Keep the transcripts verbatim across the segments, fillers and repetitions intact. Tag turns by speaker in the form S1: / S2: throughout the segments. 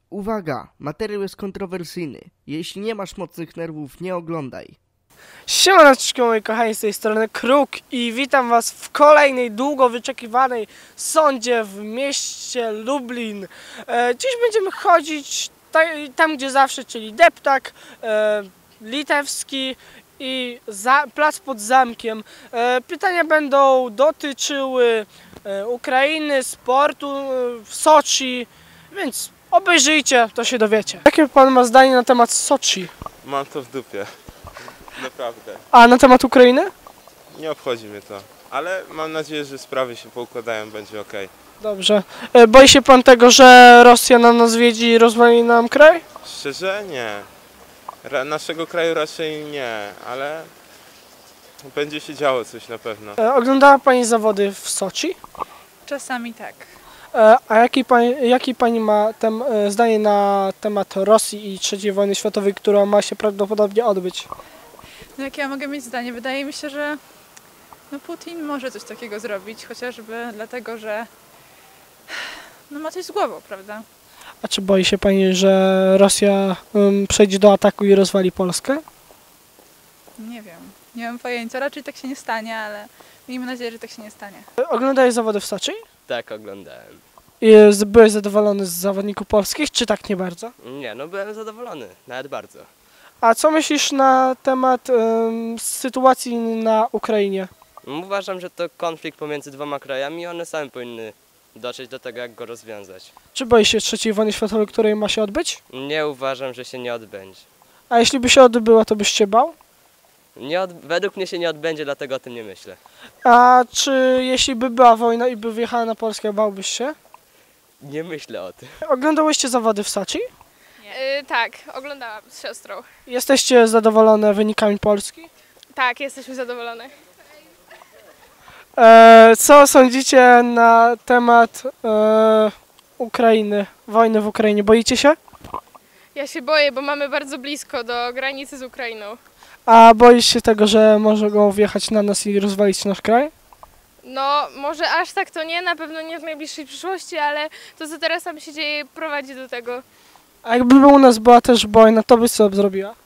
S1: Uwaga, materiał jest kontrowersyjny. Jeśli nie masz mocnych nerwów, nie oglądaj.
S2: Siemaneczko moi kochani, z tej strony Kruk i witam was w kolejnej długo wyczekiwanej sądzie w mieście Lublin. E, dziś będziemy chodzić ta, tam gdzie zawsze, czyli Deptak, e, Litewski i za, plac pod zamkiem. E, pytania będą dotyczyły e, Ukrainy, sportu e, w Soczi, więc obejrzyjcie, to się dowiecie. Jakie pan ma zdanie na temat Soczi?
S3: Mam to w dupie. Naprawdę.
S2: A na temat Ukrainy?
S3: Nie obchodzi mnie to. Ale mam nadzieję, że sprawy się poukładają, będzie ok.
S2: Dobrze. E, Boi się pan tego, że Rosja na nas wiedzi i rozwali nam kraj?
S3: Szczerze nie. Ra naszego kraju raczej nie, ale będzie się działo coś na pewno.
S2: E, Oglądała pani zawody w Soczi?
S4: Czasami tak.
S2: E, A jaki pani, jaki pani ma tem, e, zdanie na temat Rosji i trzeciej wojny światowej, która ma się prawdopodobnie odbyć?
S4: No jakie ja mogę mieć zdanie? Wydaje mi się, że no Putin może coś takiego zrobić, chociażby dlatego, że no ma coś z głową, prawda?
S2: A czy boi się pani, że Rosja um, przejdzie do ataku i rozwali Polskę?
S4: Nie wiem. Nie mam pojęcia. Raczej tak się nie stanie, ale miejmy nadzieję, że tak się nie stanie.
S2: E, Oglądałeś zawody w Soczi?
S5: Tak, oglądałem.
S2: I z- byłeś zadowolony z zawodników polskich, czy tak nie bardzo?
S5: Nie, no byłem zadowolony, nawet bardzo.
S2: A co myślisz na temat um, sytuacji na Ukrainie?
S5: Uważam, że to konflikt pomiędzy dwoma krajami i one same powinny dotrzeć do tego, jak go rozwiązać.
S2: Czy boi się trzeciej wojny światowej, której ma się odbyć?
S5: Nie uważam, że się nie odbędzie.
S2: A jeśli by się odbyła, to byś się bał?
S5: Nie od... Według mnie się nie odbędzie, dlatego o tym nie myślę.
S2: A czy jeśli by była wojna i by wjechała na Polskę, bałbyś się?
S5: Nie myślę o tym.
S2: Oglądałyście zawody w Soczi?
S6: Yy, tak, oglądałam z siostrą.
S2: Jesteście zadowolone wynikami Polski?
S6: Tak, jesteśmy zadowolone.
S2: E, co sądzicie na temat e, Ukrainy, wojny w Ukrainie? Boicie się?
S6: Ja się boję, bo mamy bardzo blisko do granicy z Ukrainą.
S2: A boisz się tego, że mogą wjechać na nas i rozwalić nasz kraj?
S6: No, może aż tak to nie, na pewno nie w najbliższej przyszłości, ale to, co teraz tam się dzieje, prowadzi do tego.
S2: A jakby u nas była też wojna, to byś co zrobiła?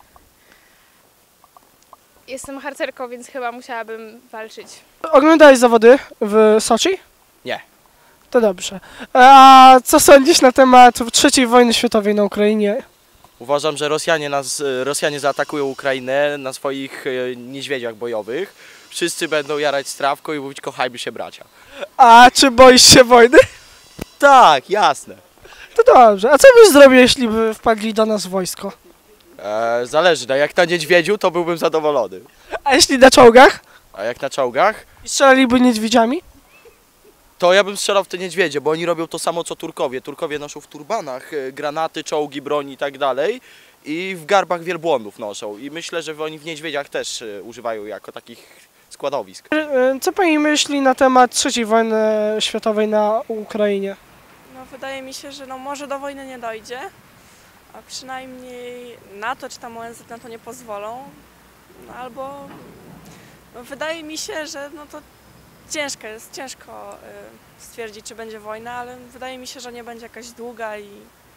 S6: Jestem harcerką, więc chyba musiałabym walczyć.
S2: Oglądałeś zawody w Soczi?
S5: Nie.
S2: To dobrze. A co sądzisz na temat trzeciej wojny światowej na Ukrainie?
S7: Uważam, że Rosjanie, nas, Rosjanie zaatakują Ukrainę na swoich e, niedźwiedziach bojowych. Wszyscy będą jarać strawką i mówić kochajmy się bracia.
S2: A czy boisz się wojny?
S7: Tak, jasne.
S2: To dobrze. A co byś zrobił, jeśli by wpadli do nas wojsko?
S7: E, zależy, no jak na niedźwiedziu to byłbym zadowolony.
S2: A jeśli na czołgach?
S7: A jak na czołgach,
S2: I strzelaliby niedźwiedziami?
S7: to ja bym strzelał w te niedźwiedzie, bo oni robią to samo co Turkowie. Turkowie noszą w turbanach e, granaty, czołgi, broń i tak dalej. I w garbach wielbłądów noszą. I myślę, że oni w niedźwiedziach też e, używają jako takich składowisk.
S2: E, Co pani myśli na temat trzeciej wojny światowej na Ukrainie?
S8: No, wydaje mi się, że no, może do wojny nie dojdzie, a przynajmniej NATO czy tam O N Z na to nie pozwolą. No, albo no, wydaje mi się, że no, to ciężko jest, ciężko y, stwierdzić, czy będzie wojna, ale wydaje mi się, że nie będzie jakaś długa i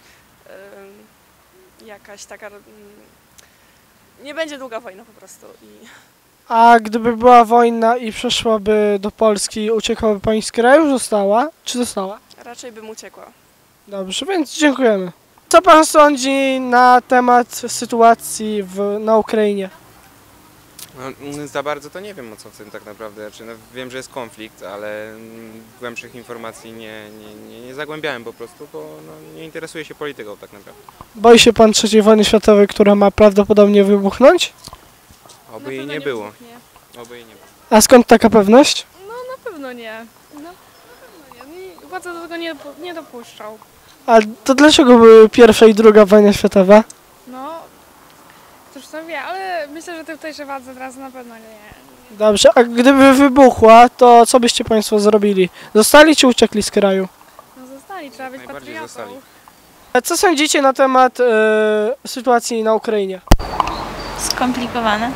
S8: y, jakaś taka... Y, nie będzie długa wojna po prostu. I...
S2: A gdyby była wojna i przeszłaby do Polski, uciekłaby pani z kraju? Została? Czy została?
S8: Raczej bym uciekła.
S2: Dobrze, więc dziękujemy. Co pan sądzi na temat sytuacji w, na Ukrainie?
S9: No, za bardzo to nie wiem, o co w tym tak naprawdę. Znaczy, no, wiem, że jest konflikt, ale mm, głębszych informacji nie, nie, nie, nie zagłębiałem po prostu, bo no, nie interesuję się polityką tak naprawdę.
S2: Boi się pan trzeciej wojny światowej, która ma prawdopodobnie wybuchnąć?
S9: Oby jej nie było. Oby jej nie było.
S2: A skąd taka pewność?
S6: No na pewno nie. No, na pewno nie. Nie- Władze do tego nie, nie dopuszczą.
S2: A to dlaczego były pierwsza i druga wojna światowa?
S6: No, cóż to wie, ale myślę, że tutejsze władze teraz na pewno nie.
S2: Dobrze, a gdyby wybuchła, to co byście państwo zrobili? Zostali czy uciekli z kraju?
S6: No zostali, trzeba być
S9: Najbardziej
S6: patriotą.
S9: zostali.
S2: A co sądzicie na temat e, sytuacji na Ukrainie?
S4: Skomplikowane.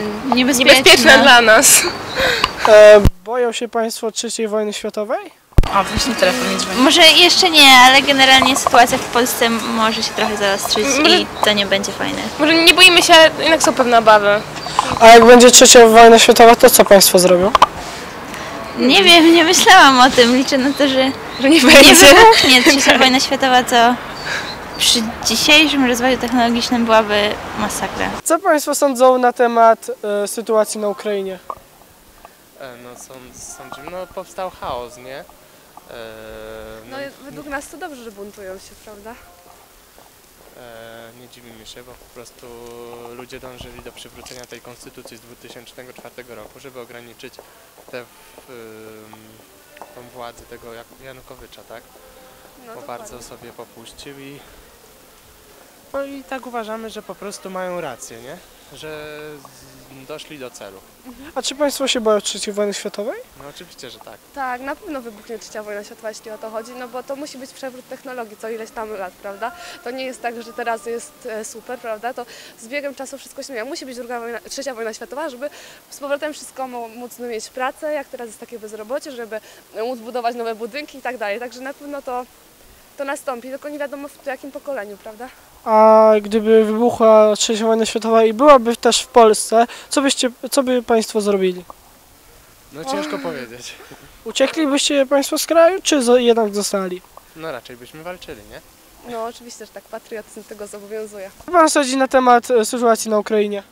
S6: Niebezpieczne dla nas.
S2: E, boją się państwo trzeciej wojny światowej? A, właśnie telefon nie dzwoni.
S10: Może jeszcze nie, ale generalnie sytuacja w Polsce może się trochę zaostrzyć
S6: Może-
S10: i to nie będzie fajne.
S6: Może nie boimy się, jednak są pewne obawy.
S2: A jak będzie trzecia wojna światowa, to co państwo zrobią?
S10: Nie wiem, nie myślałam o tym. Liczę na to, że
S6: Że nie
S10: nie
S6: będzie.
S10: wybuchnie trzecia wojna światowa, co przy dzisiejszym rozwoju technologicznym byłaby masakra.
S2: Co państwo sądzą na temat e, sytuacji na Ukrainie?
S11: E, No sąd, sądzimy, no powstał chaos, nie? E,
S8: No według nas to dobrze, że buntują się, prawda?
S11: e, nie dziwimy się, bo po prostu ludzie dążyli do przywrócenia tej konstytucji z dwa tysiące czwartego roku, żeby ograniczyć tę ym, tą władzę tego Jak- Janukowycza, tak?
S8: No,
S11: Bo bardzo sobie popuścił i no i tak uważamy, że po prostu mają rację, nie? Że z- doszli do celu.
S2: A czy państwo się boją trzeciej wojny światowej?
S11: No oczywiście, że tak.
S8: Tak, na pewno wybuchnie trzecia wojna światowa, jeśli o to chodzi, no bo to musi być przewrót technologii co ileś tam lat, prawda? To nie jest tak, że teraz jest e, super, prawda? To z biegiem czasu wszystko się zmienia. Musi być druga wojna, trzecia wojna światowa, żeby z powrotem wszystko mo- móc mieć pracę, jak teraz jest takie bezrobocie, żeby móc budować nowe budynki i tak dalej. Także na pewno to, to nastąpi, tylko nie wiadomo w jakim pokoleniu, prawda?
S2: A gdyby wybuchła trzecia wojna światowa i byłaby też w Polsce, co byście, co by państwo zrobili?
S11: No ciężko powiedzieć.
S2: Ucieklibyście państwo z kraju, czy zo- jednak zostali?
S11: No raczej byśmy walczyli, nie?
S8: No oczywiście, że tak, patriotyzm tego zobowiązuje.
S2: Co pan sądzi na temat e, sytuacji na Ukrainie?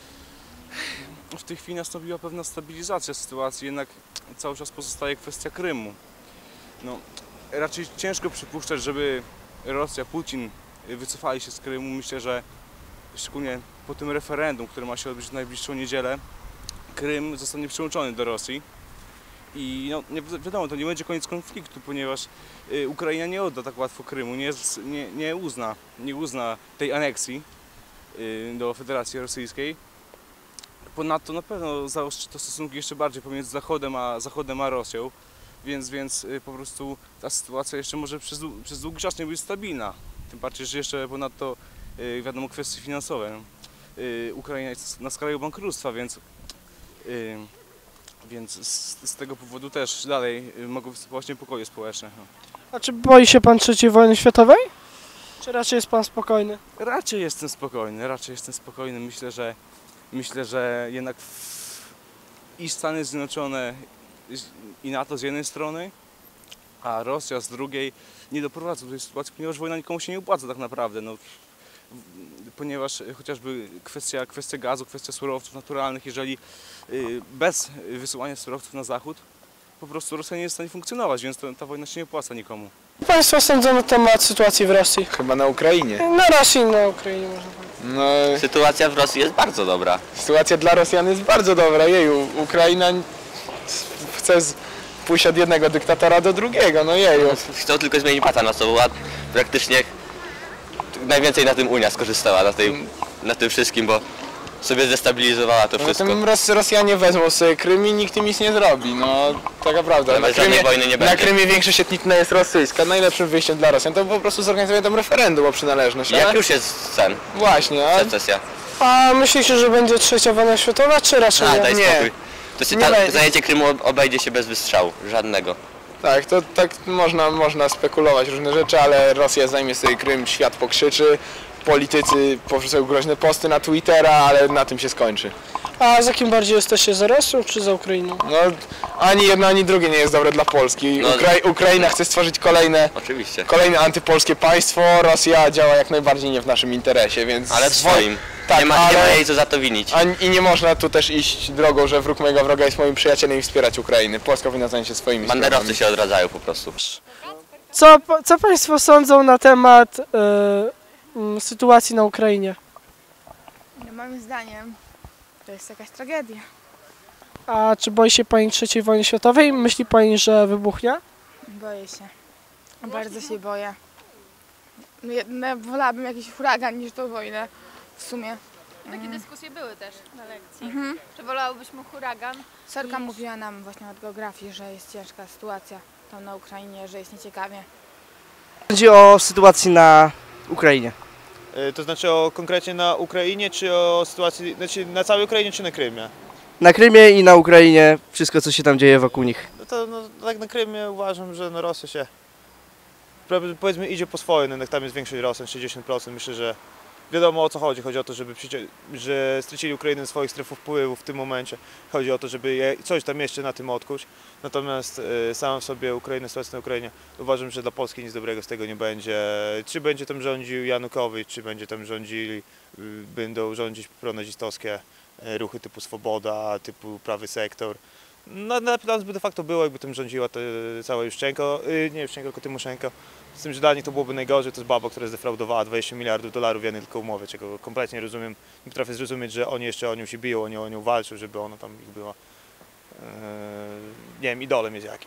S12: W tej chwili nastąpiła pewna stabilizacja sytuacji, jednak cały czas pozostaje kwestia Krymu. No, raczej ciężko przypuszczać, żeby Rosja, Putin wycofali się z Krymu. Myślę, że szczególnie po tym referendum, które ma się odbyć w najbliższą niedzielę, Krym zostanie przyłączony do Rosji. I no, nie, wiadomo, to nie będzie koniec konfliktu, ponieważ y, Ukraina nie odda tak łatwo Krymu, nie, nie, nie, uzna, nie uzna tej aneksji y, do Federacji Rosyjskiej. Ponadto na pewno zaostrzy to stosunki jeszcze bardziej pomiędzy Zachodem a, Zachodem a Rosją, więc, więc y, po prostu ta sytuacja jeszcze może przez, dłu- przez długi czas nie być stabilna. Tym bardziej, że jeszcze ponadto y, wiadomo kwestie finansowe. Y, Ukraina jest na skraju bankructwa, więc, y, więc z, z tego powodu też dalej y, mogą występować niepokoje społeczne. No.
S2: A czy boi się pan trzeciej wojny światowej? Czy raczej jest pan spokojny?
S12: Raczej jestem spokojny, raczej jestem spokojny. Myślę, że myślę, że jednak w, i Stany Zjednoczone i NATO z jednej strony, a Rosja z drugiej nie doprowadzą do tej sytuacji, ponieważ wojna nikomu się nie opłaca tak naprawdę. No, ponieważ chociażby kwestia, kwestia gazu, kwestia surowców naturalnych, jeżeli y, bez wysyłania surowców na zachód, po prostu Rosja nie jest w stanie funkcjonować, więc to, ta wojna się nie opłaca nikomu.
S2: Co państwo sądzą na temat sytuacji w Rosji?
S13: Chyba na Ukrainie.
S2: Na Rosji i na Ukrainie można powiedzieć.
S13: No,
S14: Sytuacja w Rosji jest bardzo dobra.
S13: sytuacja dla Rosjan jest bardzo dobra. Jeju, Ukraina chce z- pójść od jednego dyktatora do drugiego, no jeju.
S14: Chcą tylko zmienić pasa na sobą, a praktycznie najwięcej na tym Unia skorzystała, na, tej, na tym wszystkim, bo sobie zdestabilizowała to
S13: No,
S14: wszystko.
S13: tym Ros Rosjanie wezmą sobie Krym i nikt im nic nie zrobi, no taka prawda.
S14: Ale
S13: Na
S14: bez żadnej
S13: Krymie,
S14: wojny nie
S13: na
S14: będzie.
S13: Krymie większość etniczna jest rosyjska. Najlepszym wyjściem dla Rosjan to po prostu zorganizowanie tam referendum o przynależność.
S14: Jak
S13: ale-
S14: już jest ten,
S13: Właśnie, a
S14: secesja.
S2: A myślicie, że będzie trzecia wojna światowa, czy raczej
S14: A,
S2: nie?
S14: daj
S13: nie.
S14: spokój. To się
S13: Nie
S14: ta,
S13: będzie.
S14: zajęcie Krymu obejdzie się bez wystrzału, żadnego.
S13: tak, to tak można, można spekulować różne rzeczy, ale Rosja zajmie sobie Krym, świat pokrzyczy. Politycy powrzucają groźne posty na Twittera, ale na tym się skończy.
S2: A za kim bardziej jesteście, za Rosją czy za Ukrainą?
S13: No, ani jedno, ani drugie nie jest dobre dla Polski.
S14: No,
S13: Ukra- Ukraina chce stworzyć kolejne,
S14: Oczywiście.
S13: kolejne antypolskie państwo, Rosja działa jak najbardziej nie w naszym interesie, więc...
S14: Ale w swoim.
S13: Tak,
S14: nie, ma,
S13: ale...
S14: nie ma jej co za to winić.
S13: A, I nie można tu też iść drogą, że wróg mojego wroga jest moim przyjacielem i wspierać Ukrainy. Polska powinna zająć się swoimi
S14: Banderowcy
S13: sprawami.
S14: się odradzają po prostu.
S2: Co, co państwo sądzą na temat e, m, sytuacji na Ukrainie?
S15: No, moim zdaniem to jest jakaś tragedia.
S2: A czy boi się pani trzeciej wojny światowej? Myśli pani, że wybuchnie?
S15: Boję się. Bardzo się boję. No, jed- no, wolałabym jakiś huragan niż tą wojnę w sumie.
S4: Takie dyskusje były też na lekcji.
S15: Mhm.
S4: Czy wolałybyśmy huragan?
S15: Sorka
S4: niż-
S15: mówiła nam właśnie od geografii, że jest ciężka sytuacja tam na Ukrainie, że jest nieciekawie.
S1: Chodzi o sytuację na Ukrainie.
S16: To znaczy o konkretnie na Ukrainie, czy o sytuacji, znaczy na całej Ukrainie, czy na Krymie?
S1: Na Krymie i na Ukrainie wszystko, co się tam dzieje wokół nich.
S16: No to no, tak na Krymie uważam, że no, Rosja się powiedzmy idzie po swoje, no, tam jest większość Rosjan, sześćdziesiąt procent. Myślę, że wiadomo o co chodzi. Chodzi o to, żeby przycie- że stracili Ukrainę swoich stref wpływu w tym momencie. Chodzi o to, żeby je coś tam jeszcze na tym odkuć. Natomiast y, sam w sobie Ukraina, sytuacja na Ukrainie, uważam, że dla Polski nic dobrego z tego nie będzie. Czy będzie tam rządził Janukowicz, czy będzie tam rządzili, y, będą rządzić pronazistowskie y, ruchy typu Swoboda, typu Prawy Sektor. No, na plan by de facto było, jakby tym rządziła to cała Juszczenko, y, nie Juszczenko, tylko Tymoszenko. Z tym, że dla nich to byłoby najgorzej, to jest baba, która zdefraudowała dwadzieścia miliardów dolarów w jednej tylko umowie, czego kompletnie nie rozumiem. Nie potrafię zrozumieć, że oni jeszcze o nią się biją, oni o nią walczą, żeby ona tam ich była, yy, nie wiem, idolem jest jakimś.